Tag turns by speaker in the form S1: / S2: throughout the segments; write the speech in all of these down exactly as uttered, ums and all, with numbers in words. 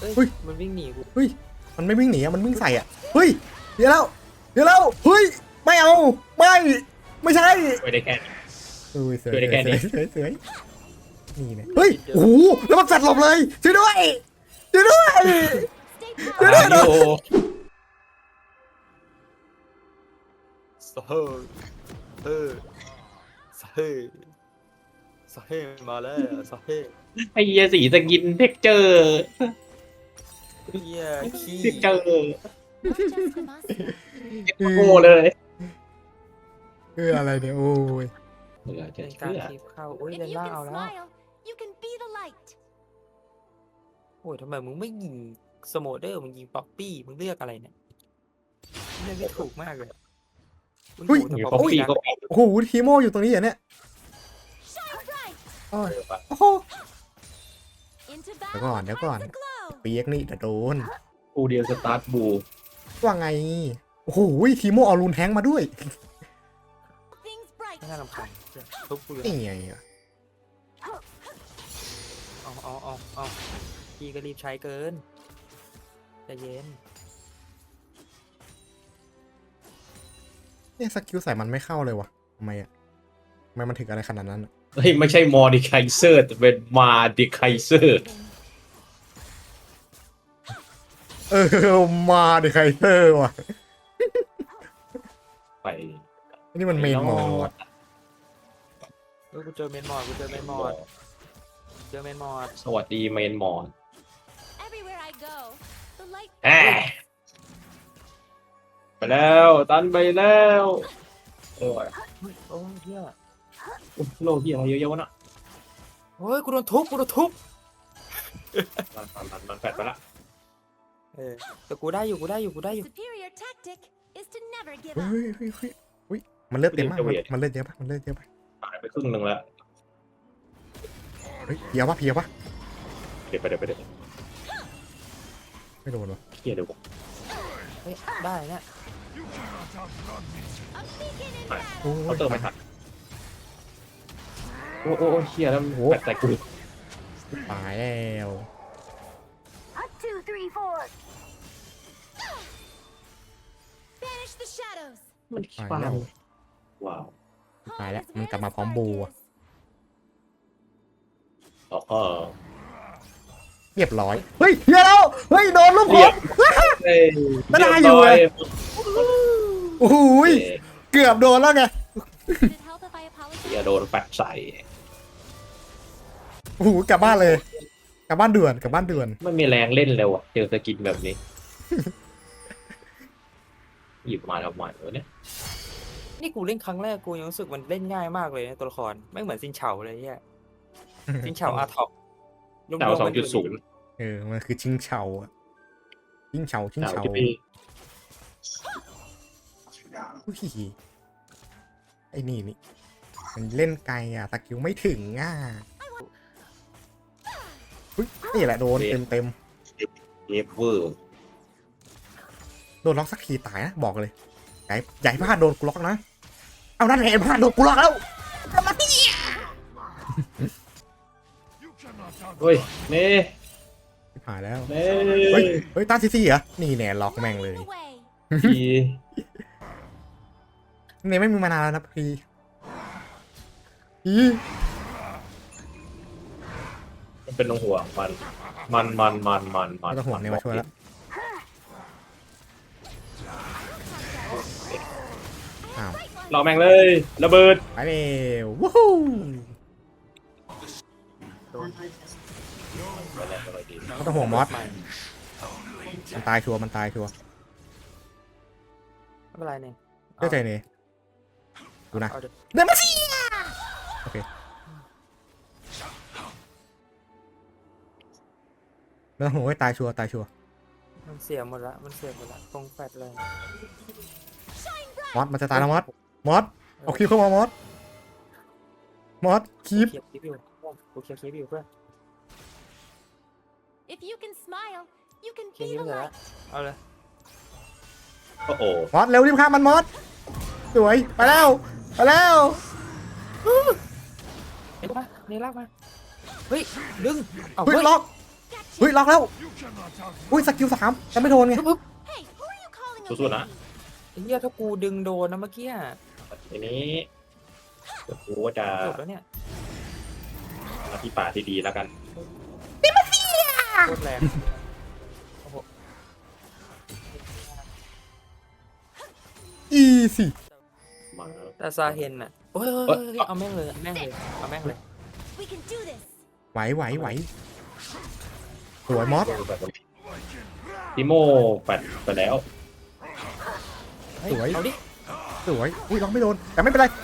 S1: เอ้ย
S2: เฮ้ย
S1: มันวิ่งหนีกู
S2: เฮ้ยมันไม่วิ่งหนีอะมันวิ่งใส่อ่ะเฮ้ยเดี๋ยวแล้วเดี๋ยวแล้วเฮ้ยไม่เอาไม่ไม่ใช่
S3: ช่วยได้แค่
S2: เฮ้ยเสือ
S3: ช่วยได้แค่นี้
S2: เสือเสือนี่เนี่ยเฮ้ยโอ้โหแล้วมันแฟดหลบเลยช่วยด้วยช่วยด้วยช่วยด้วย
S3: โอ้
S1: สเฮเฮสเฮสเฮมาแล้วสเฮ
S3: ไอ้เหี้ยสีสกินเท็กเจอร์
S1: เฮียขี้
S3: เท็กเจอร์
S2: เอ
S3: โง่
S2: อ
S3: เลย
S2: เอออะไรเนี่ยโอ้ย
S3: เหลือจะ
S1: เป็นกา
S3: เชื่
S1: ร
S3: อ
S1: คลิปเข้าโอ้ย
S4: If
S1: เลน
S4: you
S1: ล่า
S4: can
S1: เอาแล้ว
S4: smile, you can be the light.
S1: โอ้ยทำไมมึงไม่ยิงสโมเดอร์มึงยิงป๊อปปี้มึงเลือกอะไรเนี่ยเลือกไม่ถูกมากเลยมึง
S2: เฮ้ย
S1: โหแต่
S3: อยู่
S1: ป๊
S3: ป๊
S1: อ
S3: อ
S1: ป
S3: ป
S1: ปี้
S3: ปี้
S1: นะ
S3: ก็
S2: โอ้โหทีโมอยู่ตรงนี้เหรอเนี่ย
S4: Shine bright
S2: โอ้ย
S3: เออปะ
S2: โอ้โห
S4: into
S2: เดี๋ยวก่อน
S4: battle.
S2: เดี๋ยวก่อน
S4: Find the glow.
S2: เปียกนี่จะโดน
S3: กูเดียวสตาร์ทบู
S2: ว่าไงโอ้โหทีโมเอารูนแทงมาด้วย
S4: Things bright.
S1: ไม่น่ารำคาญทุบกูเลย
S2: นี่ไงอะ
S1: เอาเอาเอาเอาพี่ก็รีบใช้เกินใจเย็น
S2: เนี่ยสกิลใส่มันไม่เข้าเลยวะทำไมอะทำไมมันถึงอะไรขนาดนั้นอะ
S3: เฮ้ยไม่ใช่มอดิไคเซอร์แต่เป็นมาดิไคเซอร์
S2: เออมาดิใครเตอร์ว่ะ
S3: ไป
S2: อันนี่มันเมนมอด
S1: เออกูเจอเมนมอดกูเจอเมนมอดเจอเมนมอด
S3: สวัสดีเมนมอน
S4: Everywhere I go, the light.
S3: แอะไปแล้วตันไปแล้วโอ้ย
S1: เฮ้ยโอ้ยเฮีย
S3: โลกที่อะไรเยอะๆวะน่ะ
S1: โอ้ยกูโดนทุบกูโดนทุบ
S3: มันมันมันมันแฟดไปละ
S1: เออแต่กูได้อยู่กูได้อยู่กูได้อยู่
S4: Superior tactic is to never give
S2: เฮ้
S4: up.
S2: ยเฮ้ยเฮ้ยเฮ้ยมันเลือดเต็มมากมันมันเลือดเยอะปะมันเลือดเยอะปะ
S3: หายไปครึ่งหนึ่งแล้ว
S2: เฮ้ยเพียวปะเพียวปะ
S3: เดี๋ยวไปเดี๋ยวไปเดี๋ยว
S2: ไม่โดนวะ
S3: เคลียร์เดี๋ยวผม
S1: เฮ้ยได้เนี่ย
S4: A beacon in
S2: โอ้
S4: battle.
S3: เขา
S2: ย
S3: เติมไม่ทันโอ้โอ้โอ้เคลียร์แล้วมันแฟดใส่กู
S2: ตายแล้ว
S4: A two, three, four. Banish the shadows.
S3: มันขี้
S2: ตาย
S3: ฟ้า
S2: แล้ว
S3: ว้าว
S2: ตายแล้ว
S4: Home is
S2: มัน
S4: where
S2: กลับ
S4: the
S2: มาพร้อม
S4: spark
S2: บูอะ
S4: is.
S3: แล้วก็
S2: เรียบร้อยเฮ้ยเฮียแล้วเฮ้ยโดนลูกผม
S3: เอ้ย
S2: ไม่ได้อยู่เลย โอ้โหยเกือบโดนแล้วไง
S4: Would it help if I
S3: เคลียร์
S4: apologize?
S3: โดนแฟดใส่
S2: โอ้โหกลับบ้านเลย กลับบ้านด่วนกลับบ้านด่วน
S3: ไม่มีแรงเล่นเลยว่ะเจอสกินแบบนี้ หยิบมาทำไมวะเนี่ย
S1: นี่กูเล่นครั้งแรกกูยังรู้สึกมันเล่นง่ายมากเลยนะตัวละครไม่เหมือนซินเฉาเลยเนี่ยซินเฉาอาท็อป
S3: ดาวสองจุดศูนย์
S2: เออมันคือชิงเฉาอะชิงเฉาชิง
S3: ดาว
S2: เฉา
S3: ที่พี่
S2: อุ้ยไอ้นี่นี่มันเล่นไกลอ่ะตะกิวไม่ถึงอ่ะอุ้ยนี่แหละโดนเต็มเต็ม
S3: เอฟเวอร์
S2: โดนล็อกสักทีตายนะบอกเลยใหญ่ใหญ่พลาดโดนกูล็อกนะเอานั่นแหละพลาดโดนกูล็อกแล้ว
S3: เฮ้ยเน่
S2: หายแล้ว
S3: เน่
S2: เฮ้ยเฮ้ยตาซีซีเหรอนี่แน่ล็อกแม่งเลย
S4: The way.
S3: พี่
S2: เนี่ยไม่มีมานานแล้วนะพี่อี
S3: มันเป็นลงหัวมัน มันมันมันมันมัน
S2: ไม่ต้องห่วงเนี่ยมาช่วยแล้วอ้าว
S3: เราแม่งเลยระเบิด
S2: ไปเร็ววู้ฮู้ ไม่ต้องห่วงมอส มันตายชัวร์มันตายชัวร์
S1: ไม่เป็นไรเนี่ย
S2: เชื่อใจเนยดูนะ
S1: เอาเดี๋ยว
S2: เดมาซีโอเคแล้วโหยตายชัวร์ตายชัวร์
S1: มันเสียหมดละมันเสียหมดละตรงแฟดเลย
S2: มอสมันจะตายแล้วมอสมอสเอาคีบเข้ามามอสมอสคีบ
S1: เคียบคลิปอยู่กูเคียบคลิปอยู่เพื่อน
S4: If you can smile, you can
S1: เคียบ
S4: be
S1: คลิป
S4: the
S1: เสร็จแล้ว
S4: light.
S1: เอาเลย
S3: โอ้โห
S2: มอสเร็วรีบฆ่ามันมอสสวยไปแล้วไปแล้ว
S1: เห็นปะนี่ลากมาเฮ้ยดึงเอา
S2: เฮ้ย
S1: เฮ้ย
S2: ล็อก
S4: Gotcha.
S2: เฮ้ยล็อกแล้วอุ้ยสกิลสามจะไม่โดนไง
S4: Hey, who are you calling a
S3: สู้ๆนะ
S4: baby?
S1: ไอ้เหี้ยถ้ากูดึงโดนนะเมื่อกี้อะ
S3: ทีนี้เดี๋ยวกูก็จะ
S1: จบแล้วเนี่ย
S3: มาที่ป่าที่ดีแล้วกัน
S1: โคตรแรงโอ้โห
S2: อีสี่
S3: มา
S1: แต่ซาเฮนอ่ะโอ้ยเฮ้ย
S3: เอ้ย
S1: เฮ้ยเอาแม่งเลยเอาแม่งเลยเอาแม่งเลย
S4: We can do this.
S2: ไหวไหวไหวสวยมอส
S3: ติโมแปดไปแล้ว
S1: เฮ้
S2: สวย
S1: เอาดิ
S2: สวยอุ้ยล็อกไม่โดนแต่ไม่เป็นไร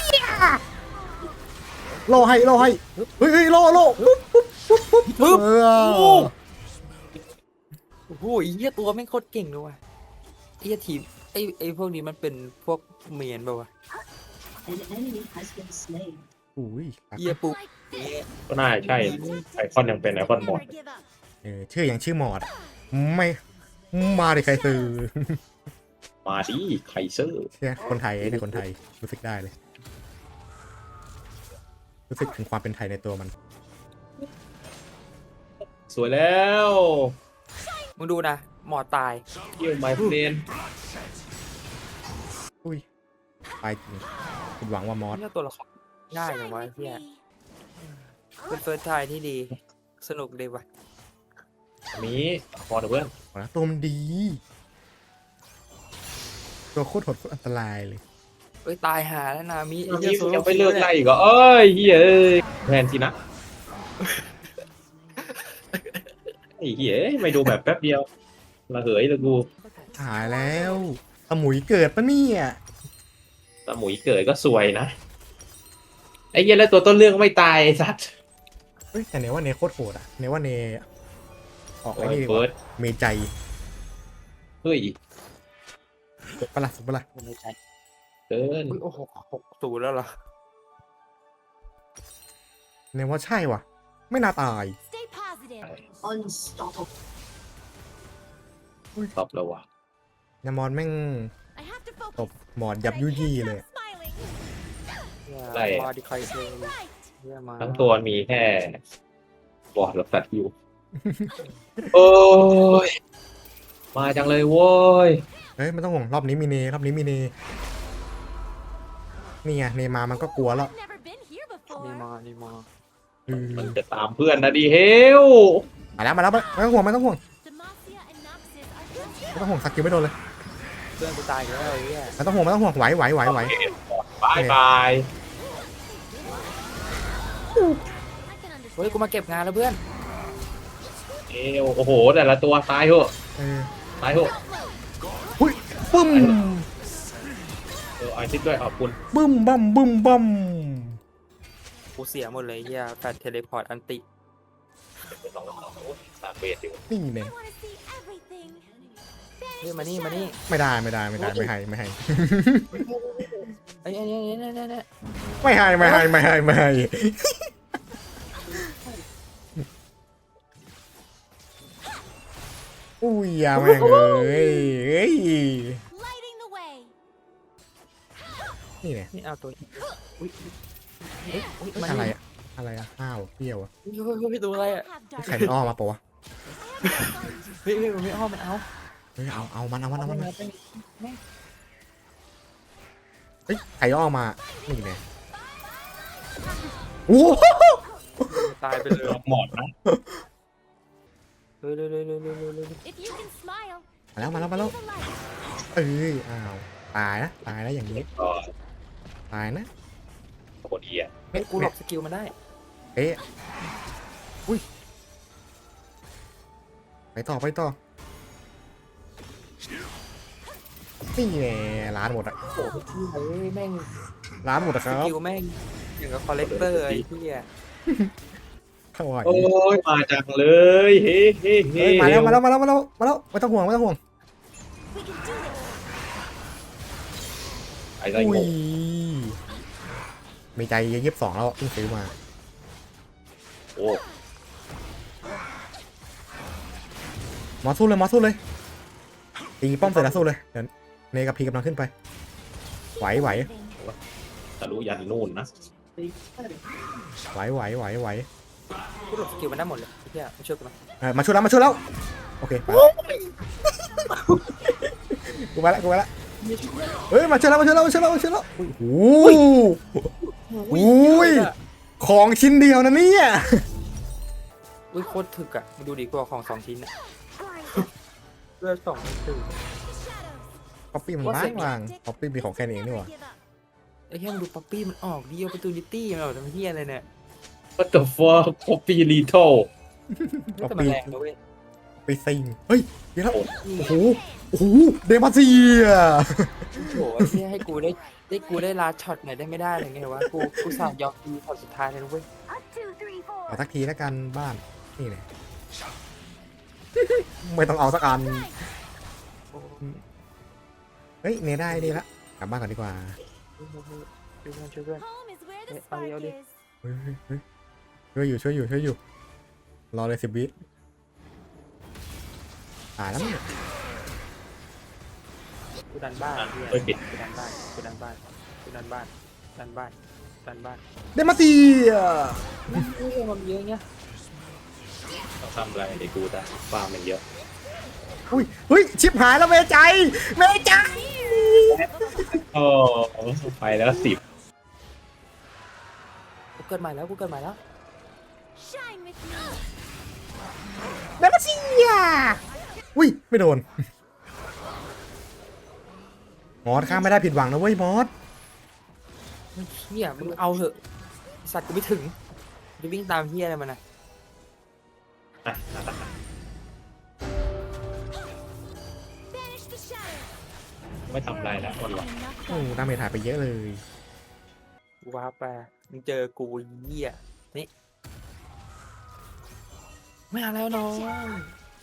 S2: โลให้โลให้เฮ้ยเฮ้ยโลโลปุ๊บปุ๊บปุ๊บปุ๊บ
S1: ปึ๊บ
S2: เอ
S1: โอ้
S2: อ
S1: โอ้โหไอ้เหี้ยตัวแม่งโคตรเก่งเลยว่ะไอ้เหี้ยทีมไอ้ไอ้พวกนี้มันเป็นพวกเมียนเปล่าวะ
S5: An enemy has been slain.
S2: อุ้ย
S1: เหี้ยปุ๊บ
S4: Like this.
S3: ก็น่าใช่ไอคอนยังเป็นไอคอนหมด
S4: Never give up.
S2: เออชื่ออย่างชื่อหมอดอะไม่มาดิใครซื้อ
S3: มาดิไคเซอร์
S2: เชี่ยคนไทยเนี่ยคนไทยรู้สึกได้เลย รู้สึกถึงความเป็นไทยในตัวมัน
S3: สวยแล้ว
S1: มึงดูนะหมอตาย
S3: เยี่ยมไมเฟรน
S2: อุ้ยไปจริงคุณหวังว่ามอส
S1: เนี่ยตัวละครง่ายอย่างวะไอ้เหี้ยเป็นเฟิร์สไทายที่ดี สนุกดีว่ะ
S3: อันนี้พอเถอะเพื่อน
S2: นะตัวมันดี ตัวโคตรโหดโคตรอันตรายเลย
S1: เอ้ยตายหาแล้วนามิไอ้
S3: อัน
S1: เหี้
S3: นี้
S1: โซโ
S3: ยังไม่เลิกไล่อีกเหรอเอ้ยเฮียเอ้ยแพนทีนะไอ้เฮียไม่ดูแบบแป๊บเดียวละเหยเลยกู
S2: หายแล้วสมุยเกิดปะเนี่ย
S3: ตาหมุยเกิดก็สวยนะไอ้เฮียแล้วตัวต้นเรื่องไม่ตายไอ้สัตว์
S2: เฮ้ยแต่เนว่าเนโคตรโหดอะเนว่าเนออกไอ้
S3: โอ้ย
S2: นี่ดีก
S3: เฟิร์
S2: ว่า
S3: ส
S2: เมใจ
S3: เฮ้ย
S2: สุดปะล่ะสุดปะล่ะ
S1: ไม่ใช่
S3: เกิน
S1: อุ๊ยโอ้โหหกศูนย์แล้วเหรอ
S2: เนว่าใช่ว่ะ ไม่น่าตาย
S4: Stay positive.
S5: Unstoppable.
S3: ตอบแล้วว่ะ
S2: นามอนแม่ง
S4: I have to
S2: ต
S4: focus.
S2: บหมอนยับ
S4: but I
S2: ยุ
S4: can't
S2: ยี่
S4: stop
S2: เลย
S4: smiling.
S3: ได้
S1: มาดิใครเซล
S4: Right.
S1: เหี้ยมา
S3: ทั้งตัวมีแค่บอร์ดกับตัดอยู่ โอ้ย มาจังเลยโว้ย
S2: เฮ้ยไม่ต้องห่วงรอบนี้มีเนรอบนี้มีเนนี่ไงเนมามันก็กลัวแล้ว
S4: I've never been here
S1: นี่
S4: before.
S1: มานี่มา
S2: อืม
S3: มันจะตามเพื่อนนะดิเฮล
S2: มาแล้วมาแล้วไม่ต้องห่วงไม่ต้องห่วง
S4: Demacia and Noxus are just
S2: ไม่ต้องห่วงสกิลไม่โดนเลย
S1: เพื่อนกูตายอีกแล้วไอ้เหี้ย
S2: ไม่ต้องห่วงไม่ต้องห่วงไหวไหวไหวไหว
S3: บายบาย
S4: I can
S1: เฮ้ย
S4: understand.
S1: กูมาเก็บงานแล้วเพื่อน
S3: เอลโอ้โห แต่ละตัวตายเหอะ
S2: เออ
S3: ตายเหอะ
S2: หุ้ยบึ้ม
S3: เออไอซิดด้วยขอบคุณ
S2: บึ้มบั้มบึ้มบั้ม
S1: กูเสียหมดเลยไอ้เหี้ยแฟนเทเลพอร์ตอันติ
S3: สองสองสามเบสอยู่
S2: นี่เนี่ย
S4: I want to see everything.
S1: เฮ้ยมานี่มานี่
S2: ไม่ได้ไม่ได้ไม่ได้ไม่ให้ไม่ให้
S1: ไอ้ไอ้เนี่ยเนี่ยเนี่ยเนี่ย
S2: ไม่ให้ไม่ให้ไม่ให้ไม่ให้อุ้ยอย่าแม่งเอ้ยเอ้ย
S4: Lighting the way.
S2: นี่เนี่ย
S1: นี่เอาตัวอุ้ยเฮ้ยอุ้ยมา
S2: อะไร
S1: นี่
S2: อะอะไรอะข้าวเปรี้ยวอะ
S1: เฮ้ยเฮ้ยเฮ้ยตัวอะไรอ่ะ
S4: Have dark.
S2: ไข่อ้อมาปะวะ
S1: เฮ้ยเฮ้ยมันไม่อ้อมมันเอา
S2: เฮ้ยเอาเอามันเอามันเอามัน
S1: เอา
S2: เฮ้ยไข่อ้อมานี่เนี่ยโอ้โห
S1: ตายไปเลย
S3: หมอดนะ
S1: เฮ้ยเร็วเร็วเร็วเร็วเร็วเร็ว
S4: If you can smile,
S2: มาแล้วมาแล้วมาแล้ว
S4: the light.
S2: เอ้ยอ้าวตายนะตายนะอย่างนี้
S3: ก็
S2: ตายนะ
S3: โคตรเอีย
S1: เฮ้ยกูหลบสกิลมันได้
S2: เอ๊ะอุ้ยไปต่อไปต่อนี่แน่ร้านหมดอะ
S1: โอ้โหเฮ้ยแม่ง
S2: ร้านหมดอะค
S1: ส
S2: รับ
S1: กิลแม่งอย่างกับคอลเลกเตอร์ไอ้เหี้ย
S2: เข้าไหว
S3: โอ้ย มาจังเลยเฮ้เฮ้เฮ้
S2: เฮ้ยมาแล้วมาแล้วมาแล้วมาแล้วมาแล้วไม่ต้องห่วงไม่ต้องห่วง
S4: We can do this.
S3: ไอ้ไร
S2: อุ้
S3: ง
S2: ย
S3: ง
S2: มีใจยี่สิบสองแล้วเพิ่งซื้อมา
S3: โอ้
S2: หมอสู้เลยหมอสู้เลยตีป้อมเสร็จแล้วสู้เลยเดี๋ยวเนกับพีกำลังขึ้นไปไหวไหว
S3: ทะลุยันนู่นนะ
S2: ไหวไหวไหวไหว
S1: กูหลบสกิลมันได้หมดเลยเฮียมาช่วยกูไหม
S2: เออมาช่วยแล้วมาช่วยแล้วโอเคไปกูมาละกูมาละเฮ้ยมาช่วยแล้วมาช่วยแล้วมาช่วยแล้วมาช่วยแล้วโอ้โหโอ้ยของชิ้นเดียวนะเนี่ย
S1: อุ้ยโคตรถึกอ่ะมาดูดีกว่าของสองชิ้นอ่ะเลือดสองถึง
S2: ป๊อปปี้มันว่างวางป๊อปปี้มีของแค่นี้เองนี่หว่า
S1: ไอ้เฮียมันดูป๊อปปี้มันออกดีโอปตูนิตี้มันออกทำเฮียอะไรเนี่ย
S3: What the fuck Poppy Lethal
S2: ป๊อป
S1: แต่มัน
S2: ปี้
S1: แรงนะเว้ย
S2: ไปซิงเฮ้ยเดี๋ยวแล้วโอ้โหโอ้โหเดมาเซีย
S1: โหไอ้เฮียให้กูได้ได้กูได้ลาช็อตหน่อยได้ไม่ได้อะไรเงี้ยวะกูกูสาดยอกดีช็อตสุดท้ายเลยนะเว้ย
S4: Up, two, three, four.
S2: เอาสักทีแล้วกันบ้านนี่เลยไม่ต้องเอาสักอันเฮ้ยเนได้ดีละกลับบ้านก่อนดีกว่า
S1: ช่วยเพื่อนช่วยเพื่อน
S4: Home is where the
S1: Hey,
S4: spark
S1: Ari, Ari.
S4: is.
S2: เฮ้ยเฮ้ยเฮ้ยช่วยอยู่ช่วยอยู่ช่วยอยู่รอเลยสิบวิตายแล้วมั้งเนี่ย
S1: กูดันบ้านเฮีย
S3: เฮ้ยปิด
S1: กูดันบ้านกูดันบ้านกูดันบ้านดันบ้านดันบ้าน
S2: เดมาเซีย
S1: เฮียมันเยอะเงี้ย
S3: ต้องทำอะไรเดี๋ยวกูจะฟาร์มมันเยอะ
S2: อุ้ยเฮ้ยชิบหายแล้วเมใจเมใจ
S3: โอ้ไปแล้วสิบ
S1: กูเกิดใหม่แล้วกูเกิดใหม่แล้ว
S4: Shine with me.
S2: เดมาเซียอุ้ยไม่โดนมอสข้ามไม่ได้ผิดหวังนะเว้ยมอส
S1: เฮียมึงเอาเถอะไอ้สัตว์กูไม่ถึงจะวิ่งตามเฮียอะไรมันน่ะ
S3: อ่ะ
S4: Banish the shadow.
S3: ไม่ทำอะไรแล้วคนหรอก
S2: โอ้ดาเมจหายไปเยอะเลย
S1: กูว้าไปมึงเจอกูเฮียนี่ไม่เอาแล้วน้อง
S4: You're in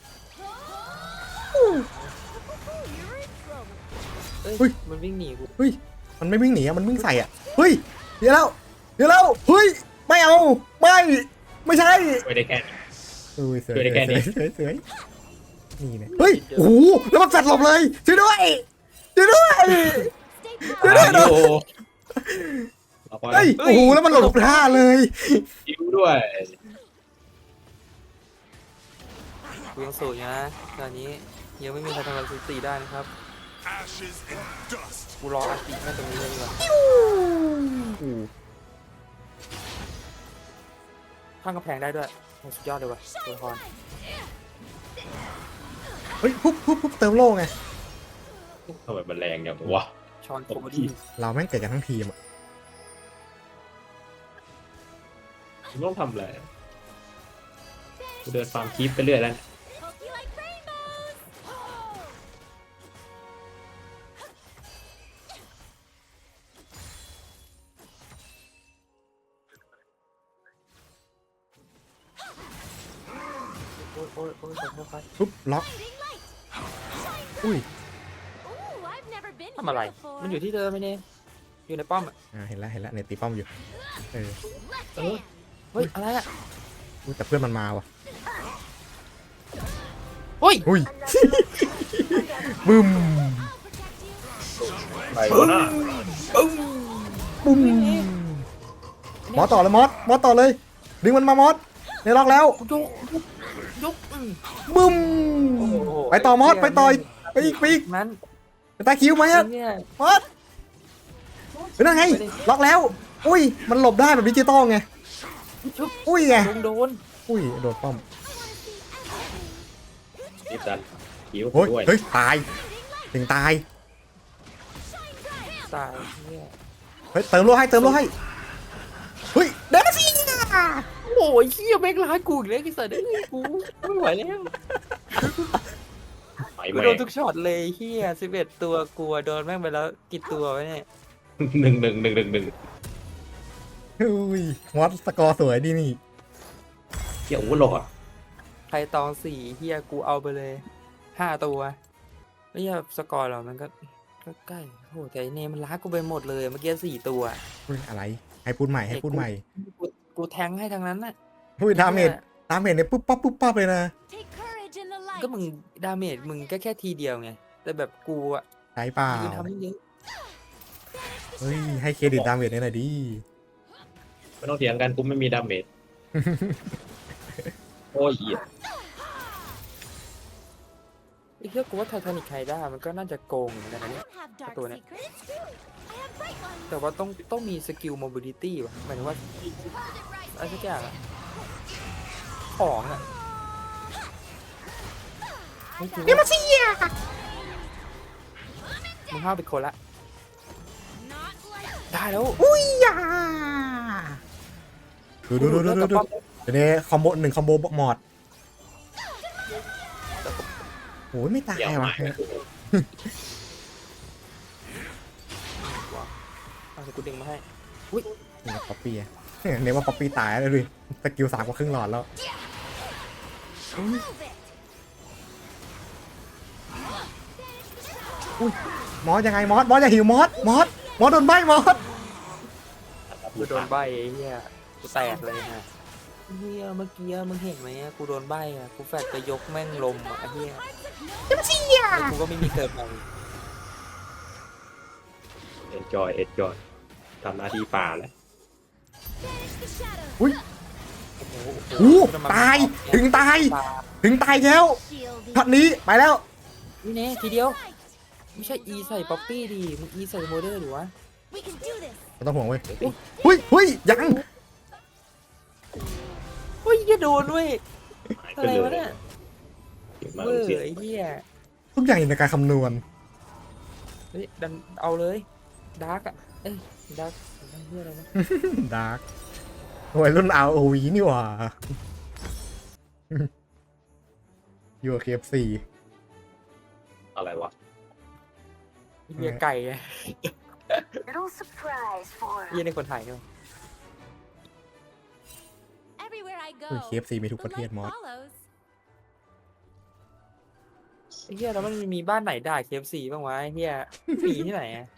S4: trouble.
S1: เอ้ยมันวิ่งหนีกู
S2: เฮ้ยมันไม่วิ่งหนีอะมันวิ่งใส่อ่ะเฮ้ยเดี๋ยวแล้วเดี๋ยวแล้วเฮ้ยไม่เอาไม่ไม่ใช่
S3: ไม่ได้แค่นี้
S2: เอ้ยเสือ
S3: ช่วยได้แค่นี้
S2: เสือเสือนี่เนี่ยเฮ้ยโอ้โหแล้วมันแฟดหลบเลยช่วยด้วยช่วยด้วย
S4: Stay
S2: เดี๋ยว
S4: positive.
S2: เดี๋ยว
S3: โอ้เอาไป
S2: เฮ้ยโอ้โหแล้วมันหลบท่าเลย
S3: คิวด้วย
S1: กูยังสูงอยู่นะตอนนี้ยังไม่มีใครทำลายสถิติได้นะครับ
S6: Ashes and dust.
S1: กูรออาทิตย์แม่ตรงนี้เลยดีกว่าข้างกำแพงได้ด้วยโหสุดยอดเลยว่ะตัวละคร
S2: เฮ้ยปุ๊บปุ๊บปุ๊บเติมโล่ไง
S3: ทำไมมันแรงอย่างวะ
S1: ชอนโคบอดี้
S2: เราแม่งเกิดกันทั้งทีมอะ
S3: มึงต้องทำอะไรกูเดินฟาร์มคีปไปเรื่อยแล้ว
S4: Hope you like rainbows.
S1: โอ้ยโอ้ยโอ้ยขอโทษครับ
S2: ปุ๊บล็อก
S4: Guiding light.
S2: อุ้ย
S4: Ooh, I've never been
S1: ทำอะไร
S4: here before.
S1: มันอยู่ที่เดิมไหมเนี่ยอยู่ในป้อมอ่ะ
S2: อ่าเห็นแล้วเห็นแล้วเนี่ยตีป้อมอยู่เออ
S4: Left
S1: เออ
S4: hand.
S1: เฮ้ยอะไรอ่ะ
S2: อุ๊ยแต่เพื่อนมันมาว่ะ
S1: เฮ้ย
S2: อุ้ย บึ้ม
S4: I'll protect you.
S3: ไปวะหน้า
S2: ปุ้มมอสต่อเลยมอสมอสต่อเลยดึงมันมามอสในล็อกแล้ว
S1: ยกยกยกอืม
S2: บึ้ม
S1: โอ้โห
S2: ไปต่อมอสไปต่อยไปอีกไปอีก
S1: นั้น
S2: ไปตาคิวไหมอะ
S1: เนี่ย
S2: มอสเป็นยังไงล็อกแล้ว อุ้ยมันหลบได้แบบดิจิตอลไง
S1: ชุบ
S2: อุ้ยไง
S1: โดนโดน
S2: อุ้ยโดนป้อม
S3: รีบดันคิว
S2: โอ้ย
S3: ด้วย
S2: เฮ้ยตายถึงตาย
S1: ตายเนี่ย
S2: เฮ้ยเติมโลให้เติมโลให้เฮ้ยเดนซี่
S1: โอ้ยเฮียแม่งร้ายกูอีกแล้วไอ้สัตว์เอ้ยกูไม่ไหวแล้ว
S3: ไป
S1: กู
S3: แม่
S1: โดนทุกช็อตเลยเฮียสิบเอ็ดตัวกลัวโดนแม่งไปแล้วกี่ตัววะเนี่ย
S3: หนึ่งหนึ่งหนึ่งหนึ่งหนึ่ง
S2: อุ้ยมอสสกอร์สวยดีนี่
S3: เกี่ยววุ้นหลอด
S1: ใครตองสี่เฮียกูเอาไปเลยห้าตัวไม่ใช่สกอร์หรอกมันก็ก็ใกล้โหแต่ไอ้เนมมันล้ากูไปหมดเลยเมื่อกี้สี่ตัว
S2: อุ้ยอะไรให้พูดใหม่ให้พูดใหม่
S1: กูกูแทงให้ทางนั้นน่ะ
S2: อุ้ยดาเมจดาเมจเนี่ยปุ๊บปั๊บปุ๊บปั๊บเลยนะ
S4: Take courage in the light.
S1: ก็มึงดาเมจมึงก็แค่ทีเดียวไงแต่แบบกูอะ
S2: ใช่เปล่า
S1: ยืนทำให้เยอะ
S2: เฮ้ยให้เครดิตดาเมจเนี่ยหน่อยดิ
S3: ไม่ต้องเถียงกันกูไม่มีดาเมจโอ้ยเหี้ย
S1: ไอ้เหี้ยกูว่าไททานิคไฮด้ามันก็น่าจะโกงเหมือนกันนะ
S4: I
S1: เนี่ย
S4: don't have dark
S1: Ito na.
S4: secrets. I have bright ones.
S1: แต่ว่าต้องต้องมีสกิลโมบิลิตี้ว่ะหมายถึงว่า
S4: Hold it right
S1: อะไรสักอย่างอะของอะนี่มันสิยามึงห้าวเป็นคนละ
S4: not like
S1: ได้แล้ว
S2: อุ้ยยาดูดูดูดูดูดูเดี๋ยวนี้คอมโบหนึ่งคอมโบหมอดโอ้ยไม่ตาย
S3: เดี๋ยว
S2: ว่ะ
S3: มา
S1: เอาเดี๋ยวกูดึงมาให้
S2: นี่ป๊อปปี้อะเนี่ยว่าป๊อปปี้ตายแล้วดูสกิลสามกว่าครึ่งหลอดแล้ว
S4: move it.
S2: มอสยังไงมอสมอสอย่าหิวมอสมอสมอสโดนใบมอส
S1: กูโดนใบไอ้เหี้ยกูแตกเลยฮะเหี้ยเมื่อกี้มึงเห็นไหมอะกูโดนใบอะกูแฟดไปยกแม่งลมอะไอ้เหี้ยแล้วกูก็ไม่มีเกิดใหม่
S3: เอ็นจอยเอ็นจอยทำหน้าที่ป่าแล้ว
S4: Banish the shadow.
S2: อุ้ย
S1: โอ้โห
S2: โอ้ตายถึงตายถึงตายแล้ว
S4: Shielding.
S2: ช็อตนี้ไปแล้ว
S1: นี่เน่ทีเดียว
S4: Right.
S1: ไม่ใช่ E ใส่ป๊อปปี้ดิมึง E ใส่โมเดอร์หรือวะ
S4: We can do this.
S2: ไม่ต้องห่วงเว้ยหุ้ยหุ้ยยัง
S1: เฮ้ยอย่าโดนเว้ย
S3: หาย
S1: อะ
S3: ไป
S1: ไร
S3: เล
S1: วะ
S3: ย
S1: เนี่ย
S3: เก่งมาก
S1: เว้ย
S3: เสีย
S1: ไอ้เหี้ย
S2: ทุกอย่างอยู่ในการคำนวณ
S1: เฮ้ยดันเอาเลยดาร์กอะเอ้ยดาร์กเหี้ยอะไรนะ
S2: ดาร์กวัยรุ่นเอาโอวีนี่หว่ายูเคเอฟซี
S3: อะไรวะ
S1: เหี้ยไก่ไง
S5: Little surprise for
S1: เหี้ยในคนไทยเนี่ย
S4: Everywhere I
S2: อุ้ย
S4: go,
S2: เคเอฟซีมีทุก
S4: the
S2: ประเทศ
S4: light
S2: มอส
S4: follows.
S1: ไอ้เหี้ยแล้วมันมีบ้านไหนด่า เค เอฟ ซี บ้างวะไอ้เหี้ยมีที่ไหนอะ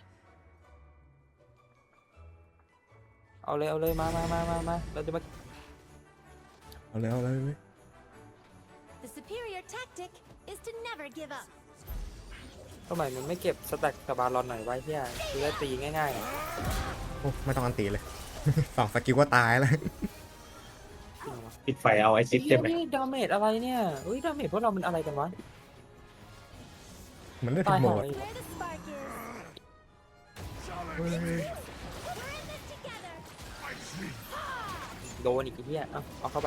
S1: เอาเลยเอาเลยมามามามามาเราจะมา
S2: เอาเลยเอาเลยเว้ย
S4: The superior tactic is to never give up.
S1: ทำไมมันไม่เก็บสแต็กกับบาลอนหน่อยไว้เหี้ยคือได้ตีง่ายๆอะ
S2: โอ้ไม่ต้องอันตีเลย สองสกิลก็ตายแล้ว
S3: ปิดไฟเอาไอซิด
S1: เหี้
S3: ใช่
S1: ย
S3: ไหม
S1: นี่ดาเมจอะไรเนี่ยเฮ้ยดาเมจพวกเรามันอะไรกันวะ
S2: เหมือนเล่นทุ
S1: ตาก ย
S2: โหม
S1: หา
S2: ด
S1: ย
S4: Where the spark is.
S2: เฮ้ย
S4: We're in this together.
S1: โดนอีกไอ้เหี้ยเอาเอาเข้าไป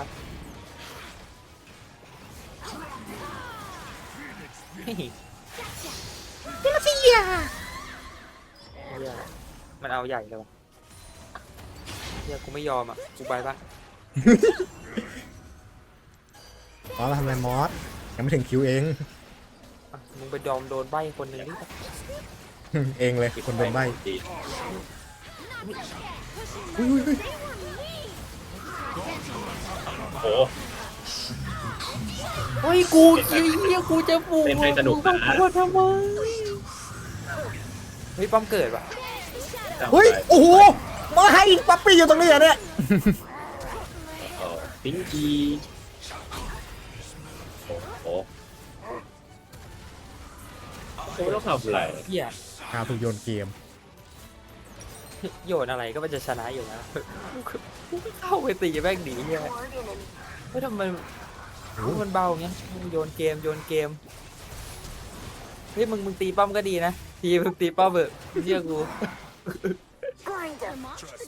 S1: เฮ้ยเหี้ยมันเอาใหญ่เลยวะเหี้ยกูไม่ยอมอ่ะกูไปปะ
S2: มอสเราทำอะไรมอสยังไม่ถึงคิวเอง
S1: อ่ะมึงไปยอมโดนใบคนหนึ่งดิ
S2: เองเลยคนโดนใบ
S3: ดี
S2: อุ้ยอุ้ยอุ้ย
S3: โอ้
S1: เฮ้ยกูเหี้ยกูจะปู
S3: เล่นให้สนุกนะ
S1: กูทำไมเฮ้ยป้อมเกิดว่ะ
S3: จำ
S2: เฮ้ย
S3: ได้
S2: โอ้โหมาให้ป๊อปปี้อยู่ตรงนี้เหรอเนี่ย
S3: เออพิงกี้โอ้โหโอ้ต้องทำอะไร
S1: เหี้ย
S2: อ้าวถูกโยนเกม
S1: โยนอะไรก็มันจะชนะอยู่แล้วกูก็เข้าไปตีแม่งหนีเหี้ยเฮ้ยทำไมมันเบาอย่างเงี้ยมึงโยนเกมโยนเกมเฮ้ยมึงมึงตีป้อมก็ดีนะทีมึงตีป้อมเถอะเชื่อกู
S4: The monster